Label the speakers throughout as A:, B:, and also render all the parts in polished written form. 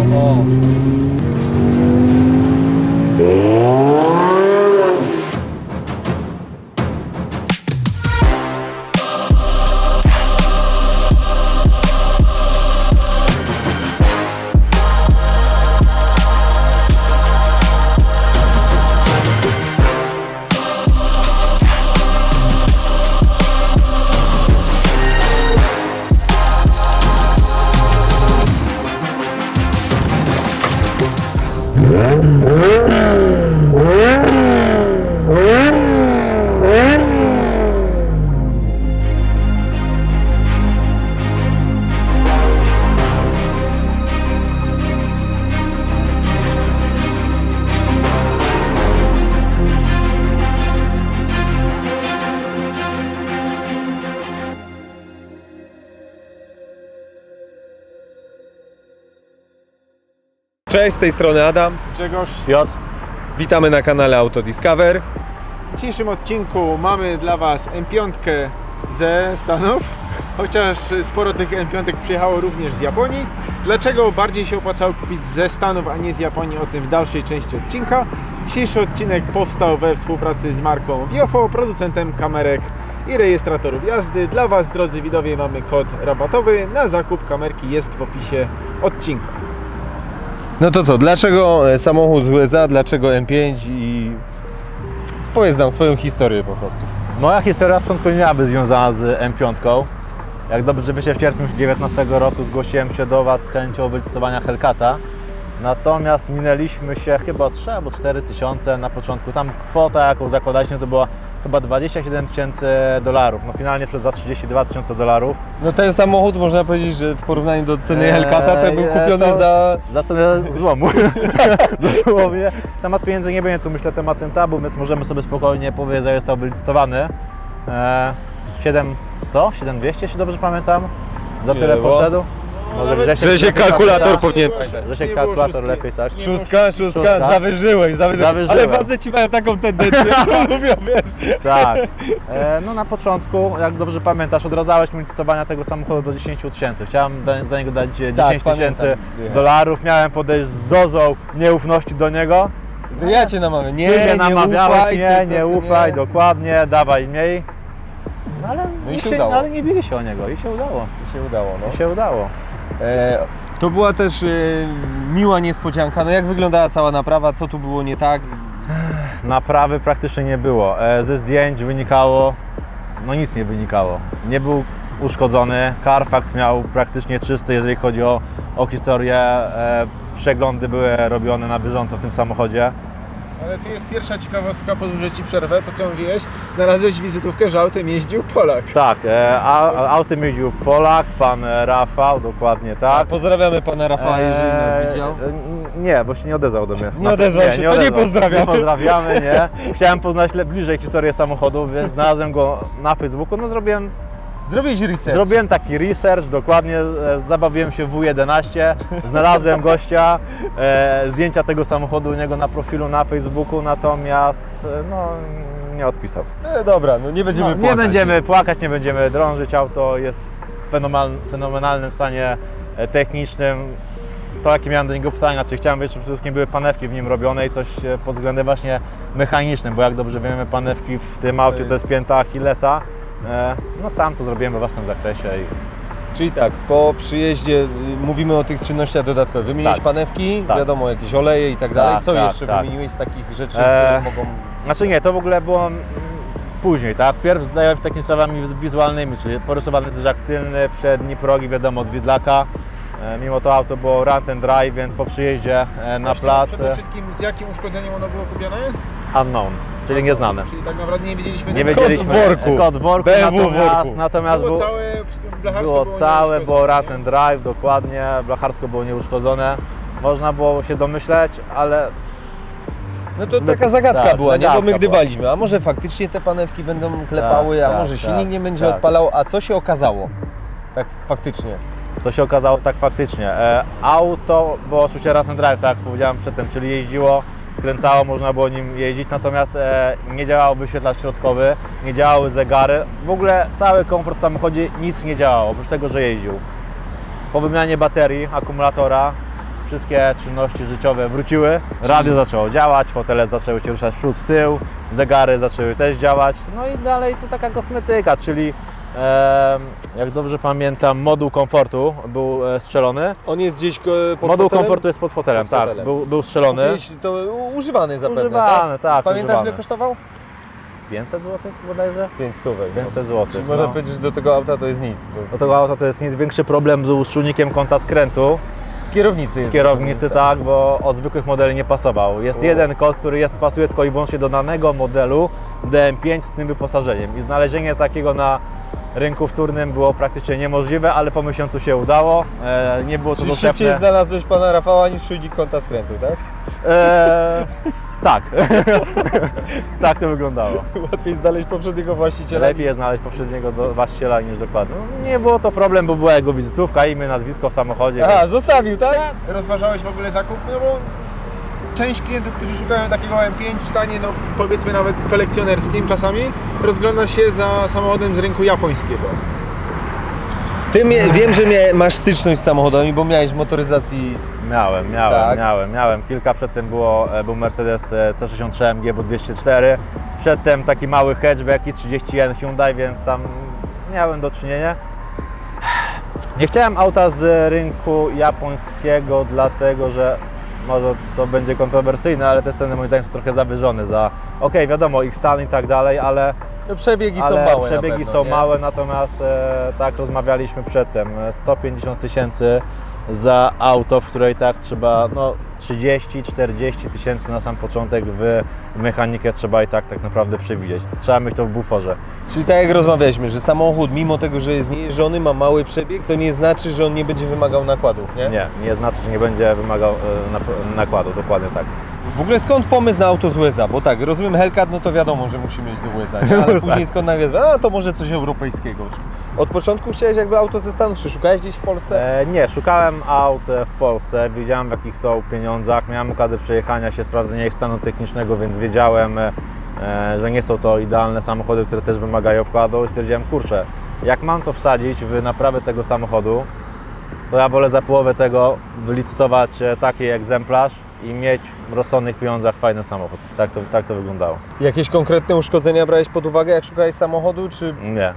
A: O. Cześć, z tej strony Adam.
B: Grzegorz.
C: Piotr.
B: Witamy na kanale Autodiscover.
A: W dzisiejszym odcinku mamy dla Was M5 ze Stanów, chociaż sporo tych M5 przyjechało również z Japonii. Dlaczego bardziej się opłacało kupić ze Stanów, a nie z Japonii, o tym w dalszej części odcinka. Dzisiejszy odcinek powstał we współpracy z marką Viofo, producentem kamerek i rejestratorów jazdy. Dla Was, drodzy widzowie, mamy kod rabatowy na zakup kamerki, jest w opisie odcinka.
B: No to co, dlaczego samochód z USA, dlaczego M5 i powiedz nam swoją historię po prostu.
C: Moja historia na początku nie miałaby związana z M5. Jak dobrze wiecie, w sierpniu 2019 roku zgłosiłem się do Was z chęcią wylicytowania Hellcata. Natomiast minęliśmy się chyba o 3 albo 4 tysiące na początku. Tam kwota, jaką zakładaliśmy, to była chyba $27,000. No finalnie za $32,000.
B: No ten samochód, można powiedzieć, że w porównaniu do ceny Hellcata to był kupiony za
C: cenę złomu. Dosłownie. Temat pieniędzy nie będzie tu, myślę, tematem tabu, więc możemy sobie spokojnie powiedzieć, że został wylicytowany. 700, 7200, jeśli dobrze pamiętam. Za tyle poszedł. Może
B: Grzesiek kalkulator powinien.
C: Grzesiek kalkulator lepiej, tak?
B: Szóstka, zawyżyłeś. Ale faceci mają taką tendencję, lubią, wiesz.
C: Tak. No na początku, jak dobrze pamiętasz, odradzałeś mi licytowania tego samochodu do 10 tysięcy. Chciałem za niego dać $10,000. Miałem podejść z dozą nieufności do niego.
B: To ja Cię namawiam. Nie
C: namawiałeś,
B: ufaj.
C: nie ufaj, dokładnie, dawaj mniej. No ale,
B: no i się udało.
C: Ale nie bili się o niego i się udało. I się udało.
B: To była też miła niespodzianka. No jak wyglądała cała naprawa? Co tu było nie tak?
C: Naprawy praktycznie nie było. Ze zdjęć wynikało, no nic nie wynikało. Nie był uszkodzony. Carfax miał praktycznie czysty, jeżeli chodzi o historię. Przeglądy były robione na bieżąco w tym samochodzie.
A: Ale tu jest pierwsza ciekawostka, pozwól, że Ci przerwę, to co mówiłeś, znalazłeś wizytówkę, że autem jeździł Polak.
C: Tak, autem jeździł Polak, pan Rafał, dokładnie tak.
B: Pozdrawiamy pana Rafała, jeżeli nas widział.
C: Nie, bo się nie odezwał do mnie.
B: Nie odezwał się, to nie pozdrawiamy.
C: Nie pozdrawiamy, nie. Chciałem poznać bliżej historię samochodu, więc znalazłem go na Facebooku, no
B: Zrobiłeś research.
C: Zrobiłem taki research, dokładnie, zabawiłem się w W11, znalazłem gościa, zdjęcia tego samochodu u niego na profilu na Facebooku, natomiast no, nie odpisał.
B: Dobra, no nie będziemy płakać.
C: Nie będziemy płakać, nie będziemy drążyć, auto jest w fenomenalnym stanie technicznym. To jakie miałem do niego pytania, czy chciałem wiedzieć, czy przede wszystkim były panewki w nim robione i coś pod względem właśnie mechanicznym, bo jak dobrze wiemy, panewki w tym aucie to jest pięta Achillesa. No sam to zrobiłem we własnym zakresie.
B: Czyli tak, po przyjeździe mówimy o tych czynnościach dodatkowych. Wymieniłeś panewki, wiadomo, jakieś oleje i tak dalej. Co jeszcze wymieniłeś z takich rzeczy, które mogą...
C: Znaczy nie, to w ogóle było później, tak? Pierw zająłem się takimi sprawami wizualnymi, czyli porysowany dyżak tylny, przedni, progi, wiadomo, od widlaka. Mimo to auto było run and drive, więc po przyjeździe na plac...
A: Przede wszystkim z jakim uszkodzeniem ono było kupione?
C: Unknown, czyli nieznane.
A: Czyli tak naprawdę nie wiedzieliśmy...
C: Kod w worku,
B: BMW w worku.
C: Natomiast
A: było całe, blacharsko
C: było run and drive, dokładnie, blacharsko było nieuszkodzone. Można było się domyśleć, ale...
B: No to taka zagadka była, nie? Bo my
C: była.
B: gdybaliśmy, a może faktycznie te panewki będą klepały, a może silnik nie będzie odpalał, a co się okazało? Tak faktycznie.
C: Co się okazało tak faktycznie. Auto było oczywiście run and drive, tak jak powiedziałem przedtem, czyli jeździło, skręcało, można było nim jeździć, natomiast nie działał wyświetlacz środkowy, nie działały zegary, w ogóle cały komfort w samochodzie, nic nie działało, oprócz tego, że jeździł. Po wymianie baterii, akumulatora, wszystkie czynności życiowe wróciły, radio zaczęło działać, fotele zaczęły się ruszać w przód, tył, zegary zaczęły też działać, no i dalej to taka kosmetyka, czyli jak dobrze pamiętam, moduł komfortu był strzelony.
B: On jest gdzieś pod
C: Moduł
B: fotelem?
C: komfortu jest pod fotelem,
B: Pod
C: tak,
B: fotelem.
C: był strzelony.
B: Kupiłeś to używany zapewne,
C: Używany, tak,
B: Pamiętasz
C: używany.
B: ile kosztował?
C: 500 zł bodajże?
B: 500.
C: 500 zł.
B: Czyli można powiedzieć, że do tego auta to jest nic. Bo
C: Do tego auta to jest nic większy problem był z czujnikiem kąta skrętu.
B: w kierownicy jest.
C: W kierownicy tak, bo od zwykłych modeli nie pasował. Jest jeden kod, który pasuje tylko i wyłącznie do danego modelu DM5 z tym wyposażeniem. I znalezienie takiego na rynku wtórnym było praktycznie niemożliwe, ale po miesiącu się udało. Nie było to
B: Czyli
C: dostępne.
B: szybciej znalazłeś pana Rafała niż czujnik kąta skrętu, tak?
C: Tak. Tak to wyglądało.
B: Łatwiej znaleźć poprzedniego właściciela.
C: Lepiej jest znaleźć poprzedniego właściciela niż dokładnie. No, nie było to problem, bo była jego wizytówka, imię, nazwisko w samochodzie.
B: Aha, zostawił, tak?
A: Rozważałeś w ogóle zakup? No bo część klientów, którzy szukają takiego M5 w stanie, no powiedzmy nawet kolekcjonerskim czasami, rozgląda się za samochodem z rynku japońskiego.
B: Wiem, że masz styczność z samochodami, bo miałeś w motoryzacji.
C: Miałem. Kilka przedtem był Mercedes C63 AMG, był 204. Przedtem taki mały hatchback i 31 Hyundai, więc tam miałem do czynienia. Nie chciałem auta z rynku japońskiego, dlatego że może to będzie kontrowersyjne, ale te ceny moim zdaniem są trochę zawyżone za, wiadomo, ich stan i tak dalej, ale
B: Przebiegi są małe.
C: Przebiegi są małe, natomiast tak rozmawialiśmy przedtem, 150 000 za auto, w której tak trzeba 30-40 tysięcy na sam początek w mechanikę trzeba i tak naprawdę przewidzieć. Trzeba mieć to w buforze.
B: Czyli tak jak rozmawialiśmy, że samochód mimo tego, że jest niejeżdżony, ma mały przebieg, to nie znaczy, że on nie będzie wymagał nakładów, nie?
C: Nie znaczy, że nie będzie wymagał nakładu, dokładnie tak.
B: W ogóle skąd pomysł na auto z USA? Bo tak, rozumiem Hellcat, no to wiadomo, że musi mieć do USA, nie? Ale później skąd nagle, to może coś europejskiego. Od początku chciałeś jakby auto ze Stanów, czy szukałeś gdzieś w Polsce?
C: Nie, szukałem aut w Polsce, wiedziałem w jakich są pieniądzach, miałem okazję przejechania się, sprawdzenia ich stanu technicznego, więc wiedziałem, że nie są to idealne samochody, które też wymagają wkładu i stwierdziłem, kurczę, jak mam to wsadzić w naprawę tego samochodu, to ja wolę za połowę tego wylicytować taki egzemplarz i mieć w rozsądnych pieniądzach fajny samochód. Tak to wyglądało.
B: Jakieś konkretne uszkodzenia brałeś pod uwagę, jak szukałeś samochodu, czy...
C: Nie.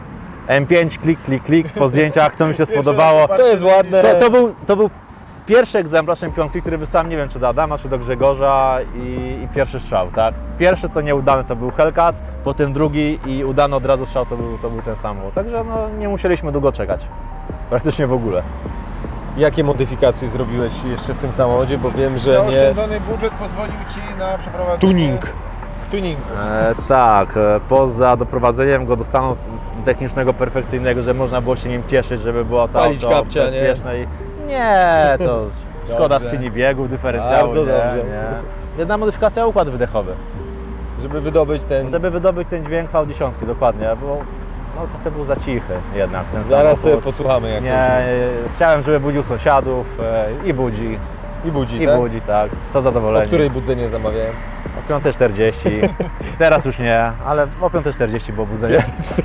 C: M5, klik, po zdjęciach, co mi się spodobało.
B: To jest ładne.
C: To był pierwszy egzemplarz M5, który wysłałem, nie wiem czy do Adama, czy do Grzegorza i pierwszy strzał, tak? Pierwszy to nieudany to był Hellcat, potem drugi i udany od razu strzał to był ten samochód. Także nie musieliśmy długo czekać. Praktycznie w ogóle.
B: Jakie modyfikacje zrobiłeś jeszcze w tym samochodzie, bo wiem, że
A: Zaoszczędzony budżet pozwolił Ci na przeprowadzenie... Tuning.
C: Tak, poza doprowadzeniem go do stanu technicznego, perfekcyjnego, że można było się nim cieszyć, żeby było to
B: Palić
C: auto
B: kapcia, nie?
C: bezpieczne. Nie, to szkoda
B: Dobrze.
C: skrzyni biegów, dyferencjału,
B: Bardzo dobrze.
C: nie. Jedna modyfikacja, układ wydechowy.
B: żeby wydobyć ten...
C: Żeby wydobyć ten dźwięk V10, dokładnie, bo trochę był za cichy jednak ten
B: Zaraz sobie
C: samochód.
B: posłuchamy, jak to
C: Nie, chciałem, żeby budził sąsiadów i budzi.
B: I budzi,
C: I
B: tak?
C: budzi, tak. Są
B: O
C: zadowoleni.
B: której budzenie zamawiałem?
C: O 5:40. Teraz już nie, ale o 5:40 było budzenie.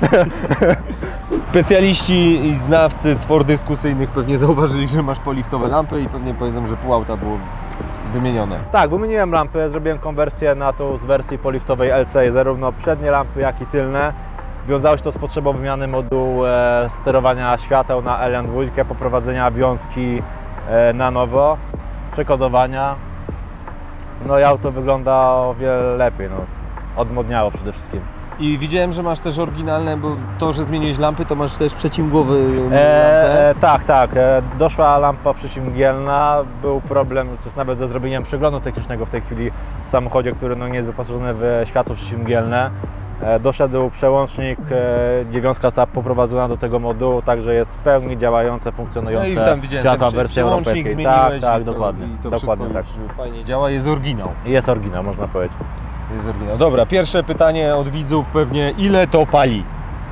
B: Specjaliści i znawcy z for dyskusyjnych pewnie zauważyli, że masz poliftowe lampy i pewnie powiedzą, że pół auta było wymienione.
C: Tak, wymieniłem lampy, zrobiłem konwersję na tą z wersji poliftowej LC, zarówno przednie lampy, jak i tylne. Wiązało się to z potrzebą wymiany modułu sterowania świateł na LN2, poprowadzenia wiązki na nowo, przekodowania. No i auto wygląda o wiele lepiej, odmodniało przede wszystkim.
B: I widziałem, że masz też oryginalne, bo to, że zmieniłeś lampy, to masz też przeciwgłowy lampę.
C: Tak. Doszła lampa przeciwmgielna. Był problem nawet ze zrobieniem przeglądu technicznego w tej chwili w samochodzie, który nie jest wyposażony w światło przeciwmgielne. Doszedł przełącznik, dziewiątka została poprowadzona do tego modułu, także jest w pełni działające, funkcjonujące
B: No i tam widziałem
C: światła
B: ten
C: wersji
B: przełącznik
C: europejskiej.
B: zmieniłeś
C: Tak,
B: i to,
C: dokładnie.
B: I to
C: Dokładnie
B: wszystko
C: tak.
B: już fajnie działa, jest oryginał.
C: Jest oryginał, można powiedzieć.
B: Jest oryginał. Dobra, pierwsze pytanie od widzów pewnie, ile to pali?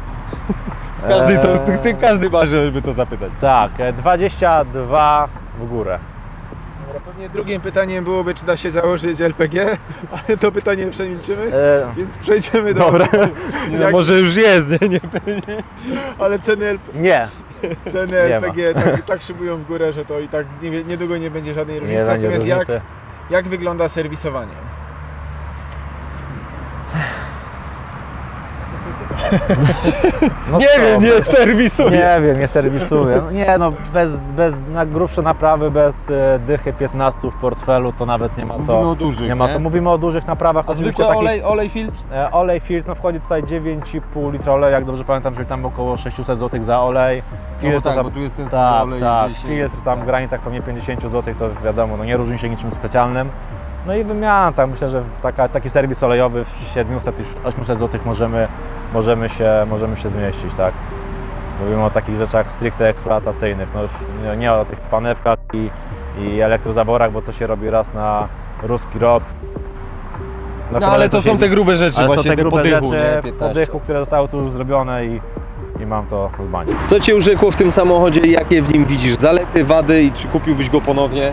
B: Każdy marzy, żeby to zapytać.
C: Tak, 22 w górę.
A: Dobra, pewnie drugim pytaniem byłoby, czy da się założyć LPG, ale to pytanie przemilczymy, więc przejdziemy do...
C: Dobra.
B: Nie, no, może już jest, nie?
A: Ale ceny LPG...
C: Nie,
A: ceny
C: Nie
A: LPG tak szybują w górę, że to i tak niedługo nie będzie żadnej różnicy.
C: Nie będzie
A: Natomiast
C: różnicy.
A: jak wygląda serwisowanie?
C: No
B: Nie
C: co,
B: wiem, nie serwisuję.
C: Nie wiem, nie serwisuję. No nie no, bez na grubsze naprawy, bez dychy 15 w portfelu to nawet nie ma co.
B: Mówimy o dużych,
C: nie ma
B: nie?
C: co. Mówimy o dużych naprawach.
B: A
C: oczywiście
B: zwykły
C: takich-
B: olej filtr?
C: Olej filtr, no wchodzi tutaj 9,5 litra oleju, jak dobrze pamiętam, czyli tam około 600 zł za olej.
B: No bo tak,
C: tam,
B: bo tu jest ten
C: tak,
B: olej
C: tak,
B: gdzieś...
C: filtr tam w granicach pewnie 50 zł, to wiadomo, no nie różni się niczym specjalnym. No i wymiana, tak myślę, że taki serwis olejowy w 700-800 zł możemy się zmieścić, tak? Mówimy o takich rzeczach stricte eksploatacyjnych, no już nie o tych panewkach i elektrozaworach, bo to się robi raz na ruski rok.
B: No ale to są te grube rzeczy,
C: ale
B: właśnie
C: są te
B: te
C: grube
B: podychu,
C: rzeczy,
B: nie? 15.
C: podychu, które zostały tu już zrobione i mam to z bani.
B: Co Cię urzekło w tym samochodzie i jakie w nim widzisz zalety, wady i czy kupiłbyś go ponownie?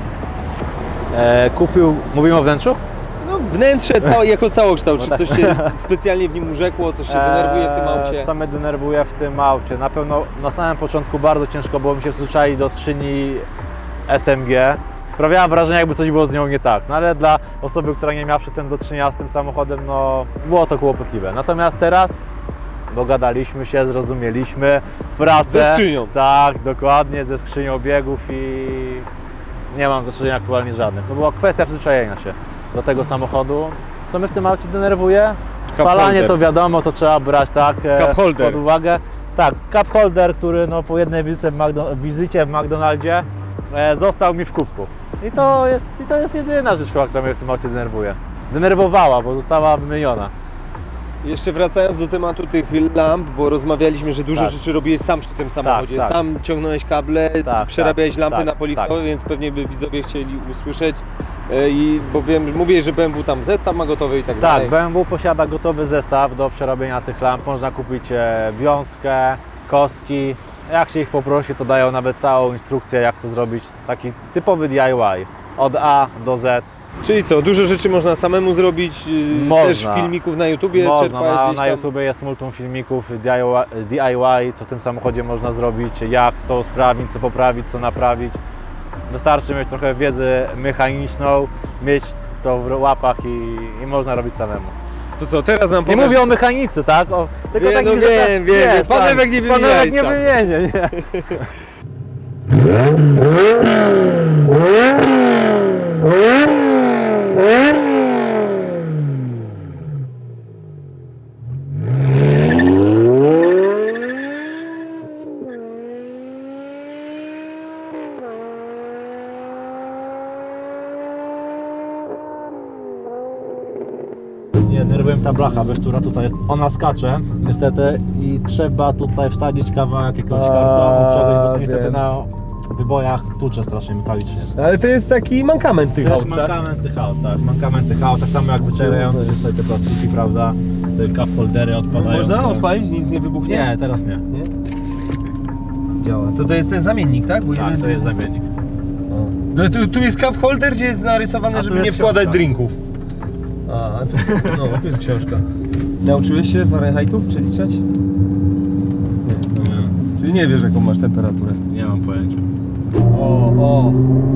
C: Mówimy o wnętrzu?
B: No wnętrze jako całokształt, czy
C: No
B: coś Cię specjalnie w nim urzekło, coś Cię denerwuje w tym aucie?
C: Co mnie denerwuje w tym aucie? Na pewno na samym początku bardzo ciężko było mi się przyzwyczaić do skrzyni SMG. Sprawiała wrażenie, jakby coś było z nią nie tak. No ale dla osoby, która nie miała przedtem do czynienia z tym samochodem, no było to kłopotliwe. Natomiast teraz dogadaliśmy się, zrozumieliśmy pracę.
B: Ze skrzynią.
C: Tak, dokładnie, ze skrzynią biegów i nie mam zastrzeżeń aktualnie żadnych. To była kwestia przyzwyczajenia się do tego samochodu. Co mnie w tym aucie denerwuje? Spalanie
B: holder.
C: to wiadomo, to trzeba brać tak
B: Cup holder.
C: pod uwagę. Tak, cup holder, który no, po jednej wizycie w McDonaldzie został mi w kubku. I to jest jedyna rzecz, która mnie w tym aucie denerwuje. Denerwowała, bo została wymieniona.
B: Jeszcze wracając do tematu tych lamp, bo rozmawialiśmy, że dużo
C: Tak.
B: rzeczy robiłeś sam przy tym samochodzie.
C: tak.
B: Sam ciągnąłeś kable,
C: Tak,
B: przerabiałeś
C: tak,
B: lampy
C: tak,
B: na poliwkowe,
C: tak.
B: więc pewnie by widzowie chcieli usłyszeć. Bo wiem, mówię, że BMW tam zestaw ma gotowy i tak
C: Tak,
B: dalej.
C: BMW posiada gotowy zestaw do przerobienia tych lamp. Można kupić wiązkę, kostki. Jak się ich poprosi, to dają nawet całą instrukcję, jak to zrobić. Taki typowy DIY. Od A do Z.
B: Czyli co, dużo rzeczy można samemu zrobić,
C: Można.
B: też filmików na YouTubie
C: Można,
B: czerpałeś gdzieś
C: na
B: tam?
C: YouTubie jest multum filmików DIY, co w tym samochodzie można zrobić, jak, co usprawnić, co poprawić, co naprawić. Wystarczy mieć trochę wiedzy mechaniczną, mieć to w łapach i można robić samemu.
B: To co, teraz nam
C: Nie
B: powiesz...
C: mówię o mechanice, tak? Tylko
B: Wiem,
C: takich
B: no
C: rzeczach,
B: wiem,
C: wiesz,
B: panewek nie wymieniaj
C: panewek nie
B: sam.
C: wymienię, nie. Nie, nerwuję ta blacha, wiesz, która tutaj jest, ona skacze niestety i trzeba tutaj wsadzić kawałek jakiegoś kartonu, czegoś, bo to niestety
B: wiem.
C: na wybojach tucze strasznie metalicznie.
B: Ale to jest taki mankament tych
C: To jest
B: aut, tak?
C: mankament tych aut, tak, mankament tych aut, tak samo jak wycierające się tutaj te plastiki, prawda, te cup holdery odpadające.
B: Można odpalić, nic nie wybuchnie?
C: Nie, teraz nie.
B: Nie? Działa. To jest ten zamiennik, tak? Bo
C: Tak,
B: jeden...
C: to jest zamiennik.
B: No, tu jest cup holder, gdzie jest narysowane,
C: A tu
B: żeby
C: jest
B: nie wkładać
C: książka.
B: drinków. A tu jest książka. Nauczyłeś się Fahrenheitów przeliczać? Nie. Czyli nie wiesz, jaką masz temperaturę.
C: Nie mam pojęcia.
B: O.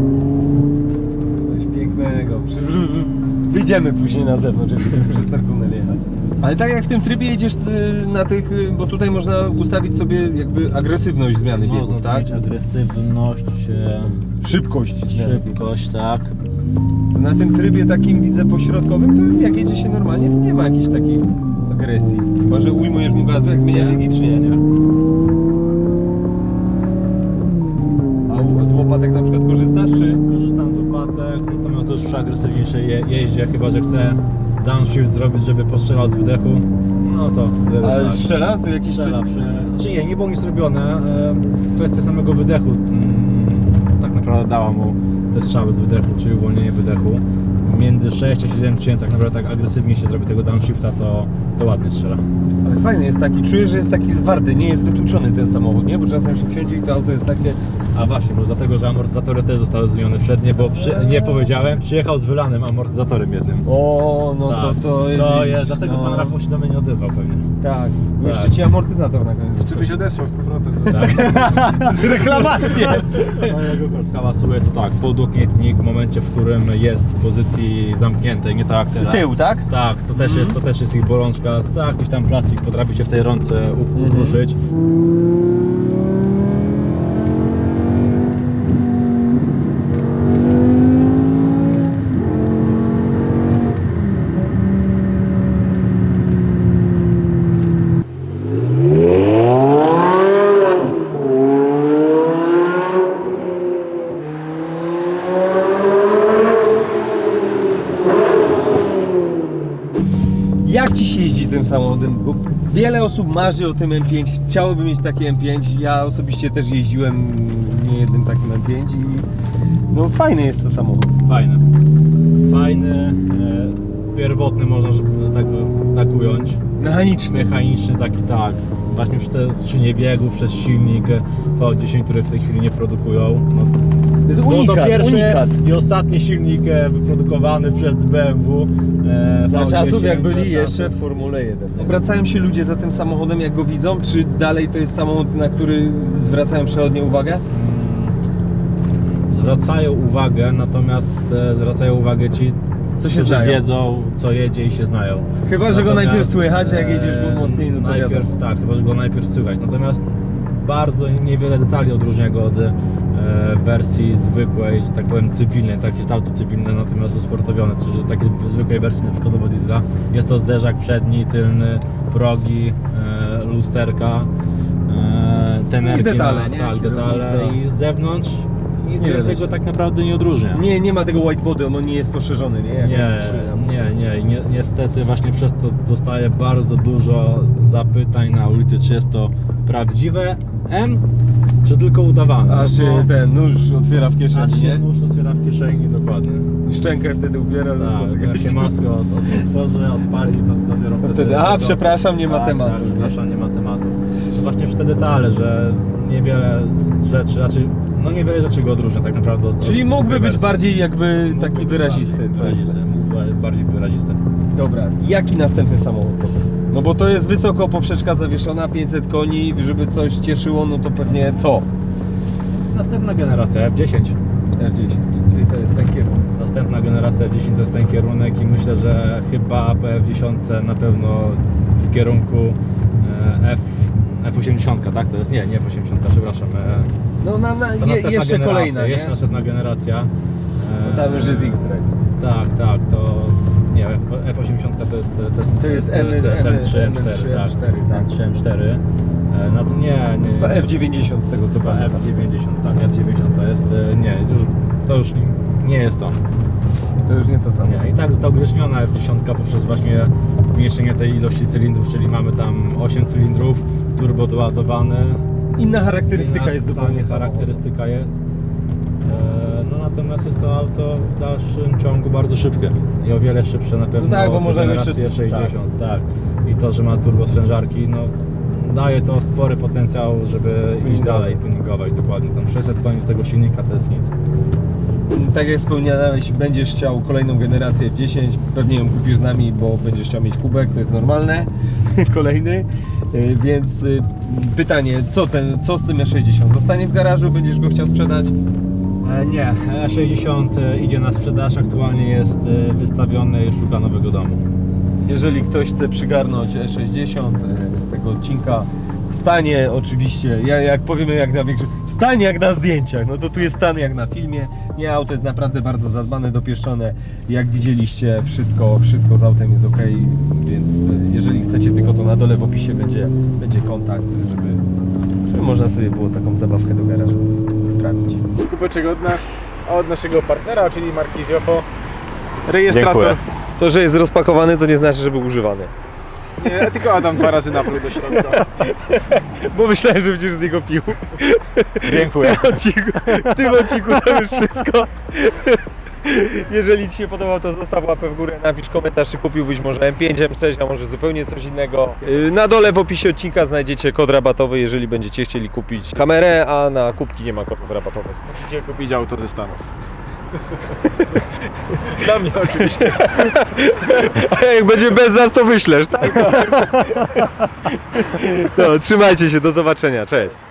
B: Coś pięknego. Wyjdziemy później na zewnątrz, jak będziemy przez ten tunel jechać. Ale tak jak w tym trybie jedziesz na tych, bo tutaj można ustawić sobie jakby agresywność zmiany
C: Można
B: biegów, tak?
C: mieć agresywność,
B: Szybkość.
C: szybkość, tak.
B: Na tym trybie takim widzę pośrodkowym, to jak jedzie się normalnie, to nie ma jakichś takich agresji. Chyba, że ujmujesz mu gazu, jak zmienia biegi, czy nie? A z łopatek na przykład korzystasz, czy?
C: Korzystam z łopatek, natomiast to już przy agresywniejszej jeździe, chyba że chcę downshift zrobić, żeby postrzelał z wydechu, no to wtedy
B: Ale
C: tak.
B: strzela? To jakiś...
C: Strzela znaczy nie było nic zrobione, kwestia samego wydechu tak naprawdę dała mu te strzały z wydechu, czyli uwolnienie wydechu. Między 6 a 7 tysięcy, jak naprawdę tak agresywnie się zrobi tego downshifta, to ładnie strzela.
B: Ale fajny jest taki, czujesz, że jest taki zwarty, nie jest wytłuczony ten samochód, nie? Bo czasem się wsiądzie i to auto jest takie
C: A właśnie, bo dlatego, że amortyzatory też zostały zmienione przednie, bo nie powiedziałem, przyjechał z wylanym amortyzatorem jednym.
B: O, no
C: Tak,
B: to jest...
C: to jest, dlatego pan Rafał się do mnie nie odezwał pewnie.
B: Tak, jeszcze ci amortyzator na koniec.
A: Czy byś odesłał z powrotem?
C: Tak.
B: Z reklamację!
C: Mojego kortka pasuje to tak, podłokietnik w momencie, w którym jest w pozycji zamkniętej, nie tak jak teraz.
B: Tył, tak?
C: Tak, to też jest ich bolączka, co jakiś tam plastik potrafi się w tej rące ukruszyć.
B: Jak ci się jeździ tym samochodem? Bo wiele osób marzy o tym M5, chciałoby mieć takie M5. Ja osobiście też jeździłem niejednym takim M5 i no fajny jest to samochód.
C: Fajny, pierwotny można tak ująć. Mechaniczny taki tak. Właśnie przez te skrzynie biegu, przez silnik V10, który w tej chwili nie produkują. No,
B: To jest
C: to
B: unikat,
C: pierwszy
B: unikat.
C: i ostatni silnik wyprodukowany przez BMW.
B: Za
C: V10,
B: czasów jak byli
C: za
B: jeszcze w Formule 1. Obracają się ludzie za tym samochodem jak go widzą, czy dalej to jest samochód, na który zwracają przechodnie uwagę?
C: Zwracają uwagę, natomiast zwracają uwagę ci,
B: Co się
C: którzy
B: znają.
C: wiedzą, co jedzie i się znają.
B: Chyba, że go
C: Natomiast,
B: najpierw słychać, a jak jedziesz go mocniej, no to
C: najpierw,
B: wiadomo.
C: tak, chyba, że go najpierw słychać. Natomiast bardzo niewiele detali odróżnia go od wersji zwykłej, że tak powiem cywilnej, tak jest auto cywilne, natomiast usportowione, czyli takiej zwykłej wersji na przykład diesla. Jest to zderzak przedni, tylny, progi, lusterka, tenerki,
B: I detale, nie?
C: tak, detale
B: Kierownica.
C: i z zewnątrz nic
B: Nie
C: więcej
B: widać.
C: go tak naprawdę nie odróżnia.
B: Nie ma tego white body, on nie jest poszerzony, nie? Jak M3.
C: Nie, niestety właśnie przez to dostaję bardzo dużo zapytań na ulicy, czy jest to prawdziwe M, czy tylko udawane.
B: Aż się
C: Bo-
B: ten nóż otwiera w
C: aż
B: kieszeni,
C: się
B: nie?
C: nóż otwiera w kieszeni, dokładnie.
B: Szczękę wtedy ubiera, no co ty
C: Tak, jak
B: gościu?
C: się maskę otworzy, odpali, to dopiero wtedy...
B: przepraszam, nie ma
C: tak,
B: tematu.
C: Tak, przepraszam, nie ma tematu. To właśnie w te detale, że niewiele rzeczy, niewiele rzeczy go odróżnia tak naprawdę od
B: Czyli
C: od
B: mógłby być
C: wersji.
B: bardziej jakby
C: Mógłby
B: taki
C: być
B: wyrazisty.
C: mógłby bardziej wyrazisty.
B: Dobra, jaki następny samochód? No bo to jest wysoko poprzeczka zawieszona, 500 koni, żeby coś cieszyło, no to pewnie co?
C: Następna generacja F10.
B: F10, czyli to jest ten kierunek.
C: Następna generacja F10 to jest ten kierunek i myślę, że chyba po F10 na pewno w kierunku F80, tak? To jest? Nie F80, przepraszam.
B: No
C: To następna
B: jeszcze
C: generacja,
B: kolejna, nie?
C: Jeszcze następna generacja.
B: Bo tam już jest X-Drive.
C: Tak, to nie, F80 to jest M3, M4, tak. M3, M4. No to nie.
B: Chyba F90 z tego co
C: Chyba
B: pamiętam.
C: F90, tak, F90 to jest, to już nie jest to.
B: To już nie to samo.
C: Nie, i tak została ugrzeczniona F10 poprzez właśnie zmniejszenie tej ilości cylindrów, czyli mamy tam 8 cylindrów, turbo doładowane.
B: Inna charakterystyka jest
C: Tak,
B: zupełnie
C: charakterystyka jest. No natomiast jest to auto w dalszym ciągu bardzo szybkie i o wiele szybsze na pewno
B: No tak, bo
C: od
B: można
C: generacji
B: jeszcze-
C: 60, tak. I to, że ma turbo sprężarki, no daje to spory potencjał, żeby iść
B: Tuningowy.
C: dalej, tuningować dokładnie. Tam 600 koni z tego silnika to jest nic.
B: Tak jak wspomniałeś, będziesz chciał kolejną generację F10, pewnie ją kupisz z nami, bo będziesz chciał mieć kubek, to jest normalne, kolejny, więc pytanie, co z tym E60? Zostanie w garażu, będziesz go chciał sprzedać?
C: Nie, E60 idzie na sprzedaż, aktualnie jest wystawiony i szuka nowego domu.
B: Jeżeli ktoś chce przygarnąć E60 z tego odcinka, stanie oczywiście, jak powiemy jak na większym, stanie jak na zdjęciach, no to tu jest stan jak na filmie. Nie, auto jest naprawdę bardzo zadbane, dopieszczone. Jak widzieliście, wszystko z autem jest ok, więc jeżeli chcecie, tylko to na dole w opisie będzie kontakt, żeby można sobie było taką zabawkę do garażu sprawić.
A: Kubeczek od nas, a od naszego partnera, czyli marki Viofo. Rejestrator.
B: Dziękuję. To, że jest rozpakowany, to nie znaczy, że był używany.
A: Nie, tylko Adam 2 razy napluł do środka.
B: Bo myślałem, że będziesz z niego pił.
C: Dziękuję.
B: W tym odcinku to już wszystko. Jeżeli Ci się podobał, to zostaw łapę w górę, napisz komentarz, czy kupiłbyś może M5, M6, a może zupełnie coś innego. Na dole w opisie odcinka znajdziecie kod rabatowy, jeżeli będziecie chcieli kupić kamerę, a na kubki nie ma kodów rabatowych.
A: Musicie kupić auto ze Stanów. Dla mnie oczywiście.
B: A jak będzie bez nas, to wyślesz, tak? No, trzymajcie się, do zobaczenia, cześć.